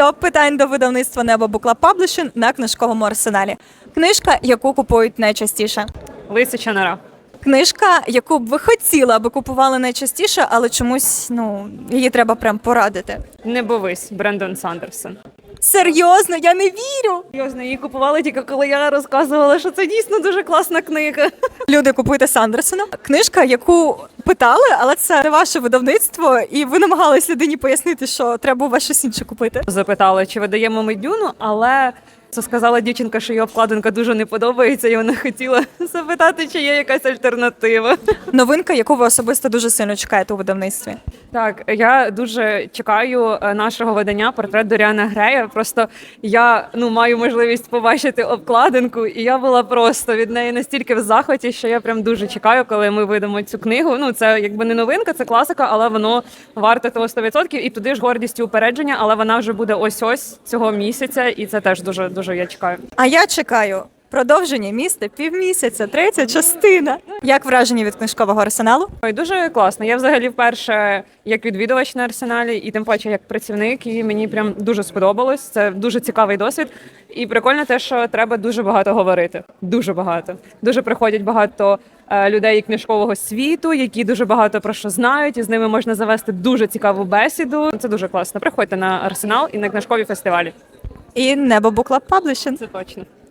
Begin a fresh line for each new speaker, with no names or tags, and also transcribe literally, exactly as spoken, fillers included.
Топ питань до видавництва «Небо Book Club Publishing» на книжковому арсеналі. Книжка, яку купують найчастіше.
Лисяча нора.
Книжка, яку б ви хотіли, аби купували найчастіше, але чомусь, ну, її треба прям порадити.
Не бовись, Брендон Сандерсон.
Серйозно, я не вірю!
Серйозно, її купували тільки коли я розказувала, що це дійсно дуже класна книга.
Люди, купуйте Сандерсона. Книжка, яку питали, але це не ваше видавництво, і ви намагались людині пояснити, що треба у вас щось інше купити.
Запитали, чи видаємо ми Дюну, але це сказала дівчинка, що її обкладинка дуже не подобається, і вона хотіла запитати, чи є якась альтернатива.
Новинка, яку ви особисто дуже сильно чекаєте у видавництві.
Так, я дуже чекаю нашого видання «Портрет Доріана Грея». Просто я ну маю можливість побачити обкладинку, і я була просто від неї настільки в захваті, що я прям дуже чекаю, коли ми видамо цю книгу. Ну, це якби не новинка, це класика, але воно варте того сто відсотків. І туди ж гордість і упередження, але вона вже буде ось-ось цього місяця, і це теж дуже, дуже я чекаю.
А я чекаю продовження міста півмісяця, третя частина. Як враження від книжкового арсеналу?
Ой, дуже класно. Я взагалі вперше як відвідувач на арсеналі, і тим паче як працівник, і мені прям дуже сподобалось. Це дуже цікавий досвід. І прикольно те, що треба дуже багато говорити. Дуже багато. Дуже приходять багато е, людей книжкового світу, які дуже багато про що знають, і з ними можна завести дуже цікаву бесіду. Це дуже класно. Приходьте на арсенал і на книжкові фестивалі.
І «Небо Book Club Publishing».
Це точно.